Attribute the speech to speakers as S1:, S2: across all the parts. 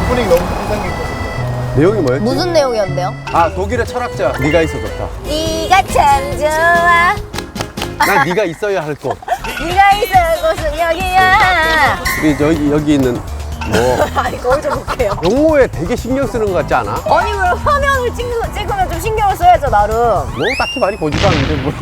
S1: 오프닝 너무 인상 깊었어요.
S2: 내용이 뭐였지?
S3: 무슨 내용이었는데요?
S2: 아, 독일의 철학자. 네가 있어 좋다.
S3: 네가 참 좋아.
S2: 난 네가 있어야 할 곳.
S3: 네가 있을 곳은 여기야.
S2: 우리 여기 있는 뭐
S3: 아니 거울 좀 볼게요.
S2: 용어에 되게 신경 쓰는 것 같지 않아?
S3: 아니 그럼 화면을 찍으면 좀 신경을 써야죠 나름.
S2: 뭐 딱히 많이 보지도 않는데 뭐.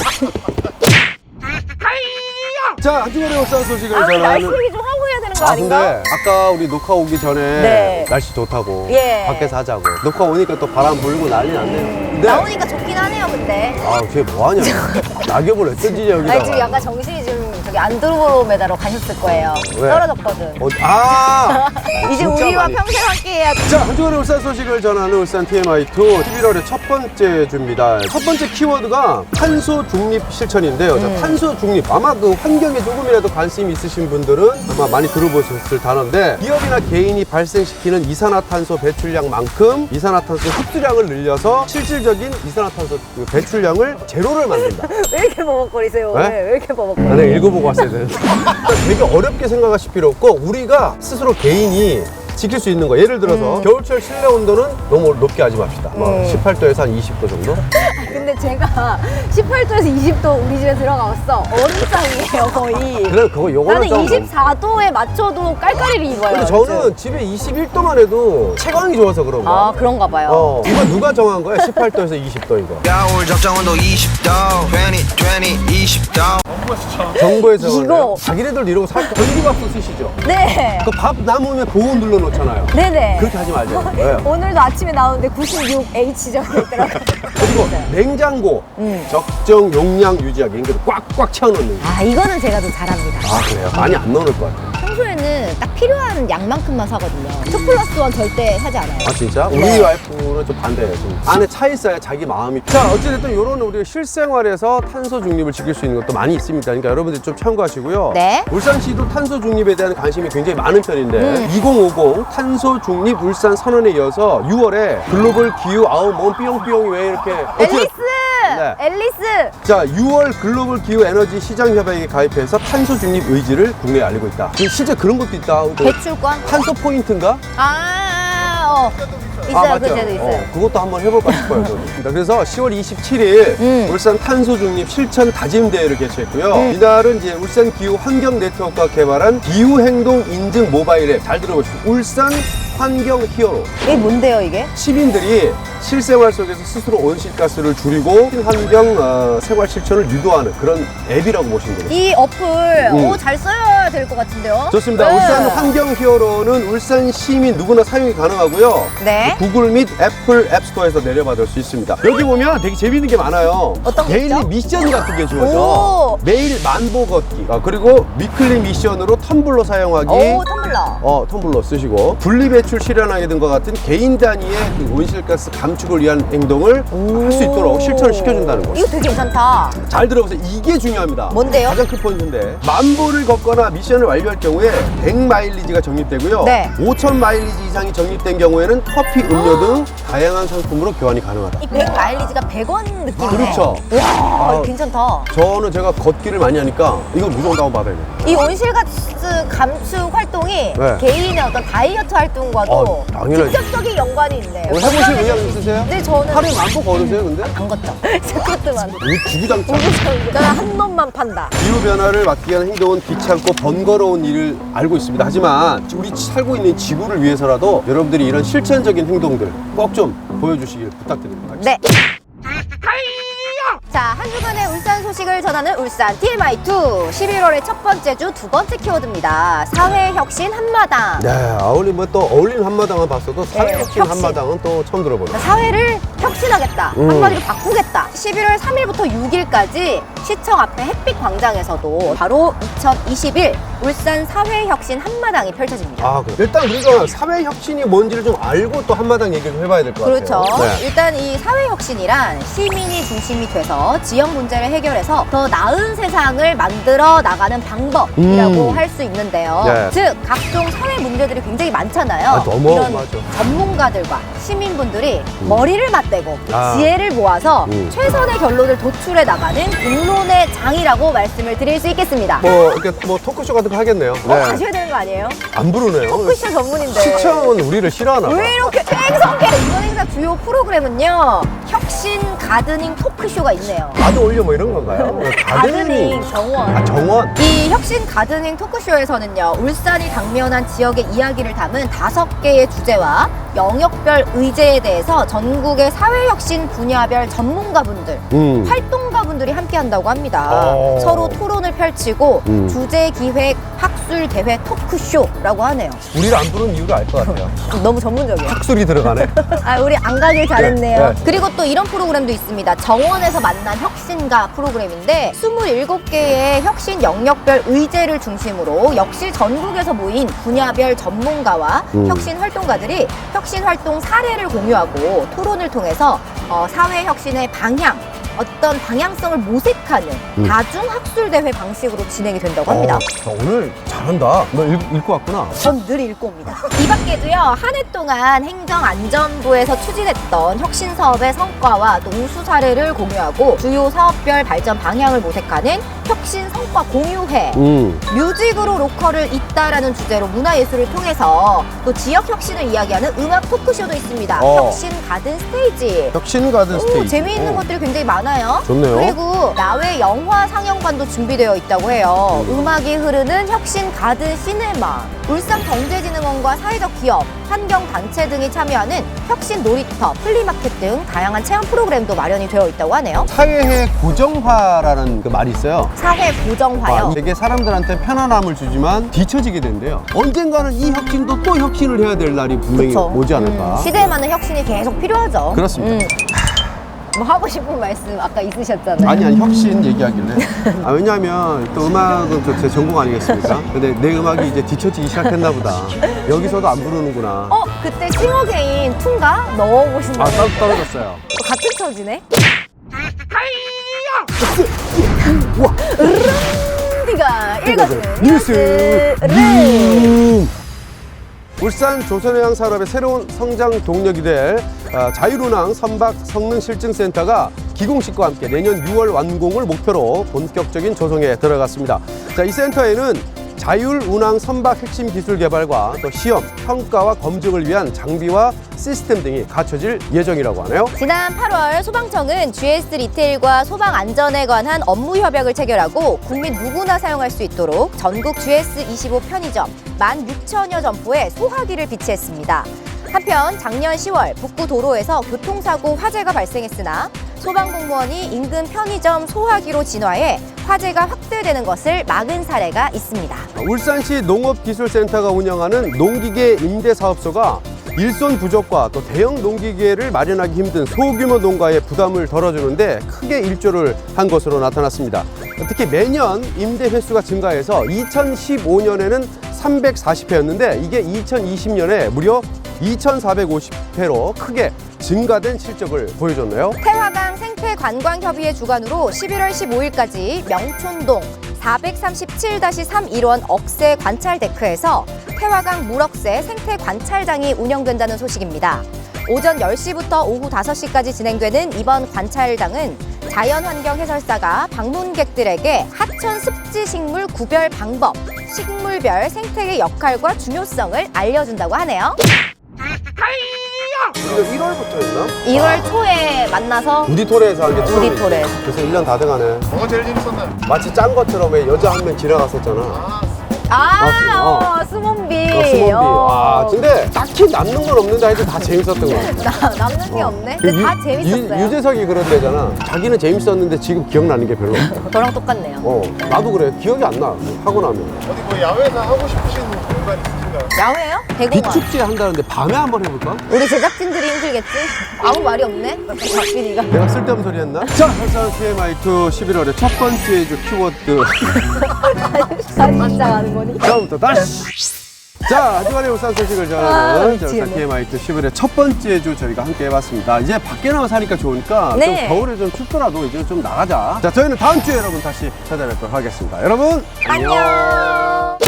S2: 자, 한 주간의 울산 소식을
S3: 아 우리 날씨
S2: 전하는.
S3: 얘기 좀 하고 해야 되는 거
S2: 아,
S3: 아닌가?
S2: 근데 아까 우리 녹화 오기 전에
S3: 네.
S2: 날씨 좋다고
S3: 예.
S2: 밖에서 하자고. 녹화 오니까 또 바람 불고 난리 났네요. 근데
S3: 나오니까 좋긴 하네요 근데.
S2: 아, 쟤 뭐하냐? 낙엽을 왜 던지냐
S3: 아니 지금
S2: 여기다가.
S3: 약간 정신이 좀 저기 안드로메다로 가셨을 거예요.
S2: 왜?
S3: 떨어졌거든.
S2: 아!
S3: 이제
S2: 진짜
S3: 우리와
S2: 많이.
S3: 평생 함께해야.
S2: 자, 한 주간의 울산 소식을 전하는 울산 TMI2 11월의 첫 번째 주입니다. 첫 번째 키워드가 탄소 중립 실천인데요. 자, 탄소 중립. 아마 그 환경에 조금이라도 관심이 있으신 분들은 아마 많이 들어보셨을 단어인데, 기업이나 개인이 발생시키는 이산화탄소 배출량만큼 이산화탄소 흡수량을 늘려서 실질적인 이산화탄소 그 배출량을 제로를 만든다.
S3: 왜 이렇게 버벅거리세요?
S2: 네?
S3: 왜 이렇게 버벅거려?
S2: 내가 읽어보고 왔어야 되는데. 되게 어렵게 생각하실 필요 없고, 우리가 스스로 개인이 지킬 수 있는 거. 예를 들어서 겨울철 실내 온도는 너무 높게 하지 맙시다. 뭐 18도에서 한 20도 정도?
S3: 근데 제가 18도에서 20도 우리 집에 들어가봤어. 얼음장이에요 거의.
S2: 그래, 그거 요거는
S3: 나는
S2: 좀
S3: 24도에 맞춰도 깔깔이를 입어요.
S2: 근데 저는 집에 21도만 해도 체감이 좋아서 그런 거야.
S3: 아 그런가 봐요.
S2: 이거 누가 정한 거야? 18도에서 20도 이거.
S4: 겨울 적정 온도 20도 20도
S2: 정부에서
S3: 이거.
S2: 자기네들도 이러고 살 전기밥솥 쓰시죠?
S3: 네.
S2: 그 밥 남으면 보온 눌러놓잖아요.
S3: 네네.
S2: 그렇게 하지 말자. 왜?
S3: 오늘도 아침에 나오는데 96H 적혀있더라고요.
S2: 그리고 냉장고 적정 용량 유지하기. 그러니까 꽉꽉 채워놓는 거.
S3: 아 이거는 제가 좀 잘합니다.
S2: 아, 그래요? 많이 안 넣을 것 같아요.
S3: 평소에는 딱 필요한 양만큼만 사거든요. 2+1 절대 사지 않아요.
S2: 아, 진짜? 우리
S3: 네.
S2: 와이프는 좀 반대예요. 좀 안에 차 있어야 자기 마음이. 자, 어찌됐든 이런 우리 실생활에서 탄소 중립을 지킬 수 있는 것도 많이 있습니다. 그러니까 여러분들 좀 참고하시고요.
S3: 네.
S2: 울산시도 탄소 중립에 대한 관심이 굉장히 많은 편인데 2050 탄소 중립 울산 선언에 이어서 6월에 글로벌 기후 아우 몸 삐용삐용이 왜 이렇게
S3: 앨리스!
S2: 네.
S3: 앨리스!
S2: 자, 6월 글로벌 기후 에너지 시장 협약에 가입해서 탄소 중립 의지를 국내에 알리고 있다. 실제 그런 것도 있다.
S3: 배출권?
S2: 탄소 포인트인가?
S3: 있어요. 그 제도 있어요.
S2: 그것도 한번 해볼까 싶어요. 저는. 그래서 10월 27일 울산 탄소 중립 실천 다짐대회를 개최했고요. 이날은 이제 울산 기후 환경 네트워크가 개발한 기후 행동 인증 모바일 앱, 잘 들어보시고 울산 환경 히어로.
S3: 이게 뭔데요, 이게?
S2: 시민들이 실생활 속에서 스스로 온실가스를 줄이고 환경 생활 실천을 유도하는 그런 앱이라고 보시면 되겠습니다.
S3: 이 어플, 잘 써야 될 것 같은데요?
S2: 좋습니다.
S3: 네.
S2: 울산 환경 히어로는 울산 시민 누구나 사용이 가능하고요.
S3: 네.
S2: 구글 및 애플 앱스토어에서 내려받을 수 있습니다. 여기 보면 되게 재밌는 게 많아요.
S3: 어떤 게
S2: 데일리
S3: 있죠?
S2: 미션 같은 게 주어져.
S3: 오.
S2: 매일 만보 걷기. 그리고 위클리 미션으로 텀블러 사용하기.
S3: 오, 텀블러.
S2: 텀블러 쓰시고 분리배출 실현하기 등과 같은 개인 단위의 그 온실가스 감축을 위한 행동을 할 수 있도록 실천을 시켜준다는 거.
S3: 이거 되게 괜찮다.
S2: 잘 들어보세요. 이게 중요합니다.
S3: 뭔데요?
S2: 가장 큰 포인트인데 만보를 걷거나 미션을 완료할 경우에 100마일리지가 적립되고요.
S3: 네.
S2: 5000마일리지 이상이 적립된 경우에는 커피, 음료 등 다양한 상품으로 교환이 가능하다.
S3: 이 100 마일리지가 100원 느낌이네.
S2: 그렇죠.
S3: 와, 괜찮다.
S2: 저는 제가 걷기를 많이 하니까 이거 무조건 다운받아야 돼요.
S3: 이 온실가스 감축 활동이
S2: 네.
S3: 개인의 어떤 다이어트 활동과도
S2: 당연하지.
S3: 직접적인 연관이 있네요.
S2: 해보실 의향 있으세요?
S3: 네, 저는
S2: 하루에 만보 걸으세요, 근데?
S3: 안 걷죠. 스쿼트만.
S2: 이 주구장창.
S3: 저는 한 놈만 판다.
S2: 기후변화를 막기 위한 행동은 귀찮고 번거로운 일을 알고 있습니다. 하지만 우리 살고 있는 지구를 위해서라도 여러분들이 이런 실천적인 행동들 꼭 좀 보여주시길 부탁드립니다.
S3: 네. 자, 한 주간의 울산 소식을 전하는 울산 TMI2 11월의 첫 번째 주 두 번째 키워드입니다. 사회혁신 한마당.
S2: 네, 아울리 또 어울리는 한마당은 봤어도 사회혁신
S3: 혁신.
S2: 한마당은 또 처음 들어보네요.
S3: 사회를 혁신하겠다. 한마디로 바꾸겠다. 11월 3일부터 6일까지 시청 앞에 햇빛 광장에서도 바로 2021 울산 사회혁신 한마당이 펼쳐집니다.
S2: 아, 그래. 일단 우리가 사회혁신이 뭔지를 좀 알고 또 한마당 얘기를 좀 해봐야 될 것
S3: 그렇죠.
S2: 같아요. 네.
S3: 일단 이 사회혁신이란 시민이 중심이 돼서 통해서 지역 문제를 해결해서 더 나은 세상을 만들어 나가는 방법이라고 할 수 있는데요.
S2: 네.
S3: 즉 각종 사회 문제들이 굉장히 많잖아요.
S2: 아, 너무
S3: 이런
S2: 맞아.
S3: 전문가들과 시민분들이 머리를 맞대고
S2: 아.
S3: 지혜를 모아서
S2: 음.
S3: 최선의 결론을 도출해 나가는 공론의 장이라고 말씀을 드릴 수 있겠습니다.
S2: 뭐 이렇게 뭐 토크쇼 같은 거 하겠네요.
S3: 가셔야 되는 거 아니에요?
S2: 안 부르네요.
S3: 토크쇼 전문인데.
S2: 시청은 우리를 싫어하나 봐.
S3: 왜 이렇게 생성해? 이번 행사 주요 프로그램은요, 혁신 가드닝 토크쇼가 있네요.
S2: 나도 올려 뭐 이런 건가요?
S3: 가드닝 정원.
S2: 아, 정원.
S3: 이 혁신 가드닝 토크쇼에서는요, 울산이 당면한 지역의 이야기를 담은 5개의 주제와 영역별 의제에 대해서 전국의 사회혁신 분야별 전문가분들, 활동가분들이 함께 한다고 합니다. 서로 토론을 펼치고 주제 기획 학술 대회 토크쇼라고 하네요.
S2: 우리를 안 부르는 이유가 알 것 같아요.
S3: 너무 전문적이에요.
S2: 학술이 들어가네.
S3: 아, 우리 안 가길 잘했네요.
S2: 네, 네.
S3: 그리고 또 이런 프로그램도 있습니다. 정원에서 만난 혁신가 프로그램인데 27개의 혁신 영역별 의제를 중심으로 역시 전국에서 모인 분야별 전문가와 혁신 활동가들이 혁신 활동 사례를 공유하고 토론을 통해서 사회 혁신의 방향, 어떤 방향성을 모색하는 다중학술대회 방식으로 진행이 된다고 합니다.
S2: 자, 오늘 잘한다. 너 읽고 왔구나.
S3: 전 늘 읽고 옵니다. 이 밖에도요, 한 해 동안 행정안전부에서 추진했던 혁신 사업의 성과와 또 우수 사례를 공유하고 주요 사업별 발전 방향을 모색하는 혁신 성과 공유회, 뮤직으로 로컬을 잇다라는 주제로 문화예술을 통해서 또 지역 혁신을 이야기하는 음악 토크쇼도 있습니다. 혁신 가든 스테이지.
S2: 혁신 가든 스테이지.
S3: 재미있는 것들이 굉장히 많아요.
S2: 좋네요.
S3: 그리고 야외 영화 상영관도 준비되어 있다고 해요. 음악이 흐르는 혁신 가든 시네마, 울산 경제진흥원과 사회적 기업, 환경단체 등이 참여하는 혁신 놀이터, 플리마켓 등 다양한 체험 프로그램도 마련이 되어 있다고 하네요.
S2: 사회의 고정화라는 그 말이 있어요.
S3: 사회 고정화요.
S2: 되게 사람들한테 편안함을 주지만 뒤처지게 된대요. 언젠가는 이 혁신도 또 혁신을 해야 될 날이 분명히
S3: 그쵸.
S2: 오지 않을까.
S3: 시대에 맞는 혁신이 계속 필요하죠.
S2: 그렇습니다.
S3: 뭐 하고 싶은 말씀 아까 있으셨잖아요.
S2: 아니 혁신 얘기하길래. 왜냐하면 또 음악은 또 제 전공 아니겠습니까? 근데 내 음악이 이제 뒤처지기 시작했나 보다. 여기서도 안 부르는구나.
S3: 그때 싱어게인 툰가 넣어보신다고.
S2: 아, 떨어졌어요.
S3: 같은 처지네.
S2: 우와.
S3: 네가 읽어주는
S2: 뉴스.
S3: 뉴스를.
S2: 울산 조선해양 산업의 새로운 성장 동력이 될 자율운항 선박 성능실증센터가 기공식과 함께 내년 6월 완공을 목표로 본격적인 조성에 들어갔습니다. 자, 이 센터에는 자율운항 선박 핵심 기술 개발과 또 시험, 평가와 검증을 위한 장비와 시스템 등이 갖춰질 예정이라고 하네요.
S3: 지난 8월 소방청은 GS 리테일과 소방 안전에 관한 업무 협약을 체결하고 국민 누구나 사용할 수 있도록 전국 GS25 편의점 16,000여 점포에 소화기를 비치했습니다. 한편 작년 10월 북구 도로에서 교통사고 화재가 발생했으나 소방공무원이 인근 편의점 소화기로 진화해 화재가 확대되는 것을 막은 사례가 있습니다.
S2: 울산시 농업기술센터가 운영하는 농기계 임대사업소가 일손 부족과 또 대형 농기계를 마련하기 힘든 소규모 농가의 부담을 덜어주는데 크게 일조를 한 것으로 나타났습니다. 특히 매년 임대 횟수가 증가해서 2015년에는 340회였는데 이게 2020년에 무려 2,450회로 크게 증가된 실적을 보여줬네요.
S3: 태화강 생태관광협의회 주관으로 11월 15일까지 명촌동 437-3 일원 억새 관찰 데크에서 태화강 물억새 생태관찰장이 운영된다는 소식입니다. 오전 10시부터 오후 5시까지 진행되는 이번 관찰장은 자연환경 해설사가 방문객들에게 하천 습지식물 구별 방법, 식물별 생태계 역할과 중요성을 알려준다고 하네요.
S2: 우리가 1월부터였나?
S3: 1월 초에 만나서
S2: 우디토레에서 한 게 처음이지.
S3: 우디토레에서.
S2: 그래서 1년 다 돼가네.
S1: 뭐가 제일 재밌었나요?
S2: 마치 짠 것처럼 왜 여자 한 명 지나갔었잖아.
S3: 수몬비.
S2: 수몬비. 근데 딱히 남는 건 없는데 하여튼 다 재밌었던 거 같아.
S3: 남는 게 없네. 근데 다 재밌었어요.
S2: 유재석이 그런 데잖아. 자기는 재밌었는데 지금 기억나는 게 별로 없다.
S3: 저랑 똑같네요.
S2: 나도 그래. 기억이 안 나. 하고 나면.
S1: 어디 뭐 야외에서 하고 싶으신 공간 있으신가요?
S3: 야외요? 대공원.
S2: 비축제 한다는데 밤에 한번 해볼까?
S3: 우리 제작진들이 힘들겠지? 아무 말이 없네? 박빈이가.
S2: 내가 쓸데없는 소리 했나? 자, 울산 TMI2 11월의 첫 번째 주 키워드.
S3: 사진 시작하는 거니?
S2: 다음부터 다시. 자, 하지만의 울산 소식을 전하는 자, 울산 TMI2 10월의 첫 번째 주 저희가 함께 해봤습니다. 이제 밖에 나와 사니까 좋으니까
S3: 네.
S2: 좀 겨울에 좀 춥더라도 이제 좀 나가자. 자, 저희는 다음 주에 여러분 다시 찾아뵙도록 하겠습니다. 여러분
S3: 안녕.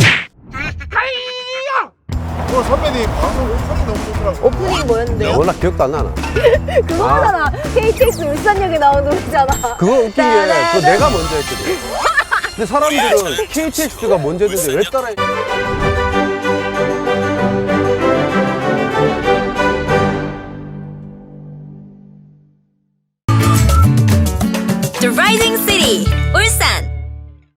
S1: 오늘 선배님 방송 오프닝 너무 좋더라고요.
S3: 오프닝 뭐였는데요?
S2: 워낙 기억도 안 나나.
S3: 그거잖아. KTX 울산역에 나온 노래잖아.
S2: 그거 웃긴 게 그거 내가 먼저 했거든. 근데 사람들은 KTX가 먼저 했는데 왜 따라
S5: The Rising City, 울산.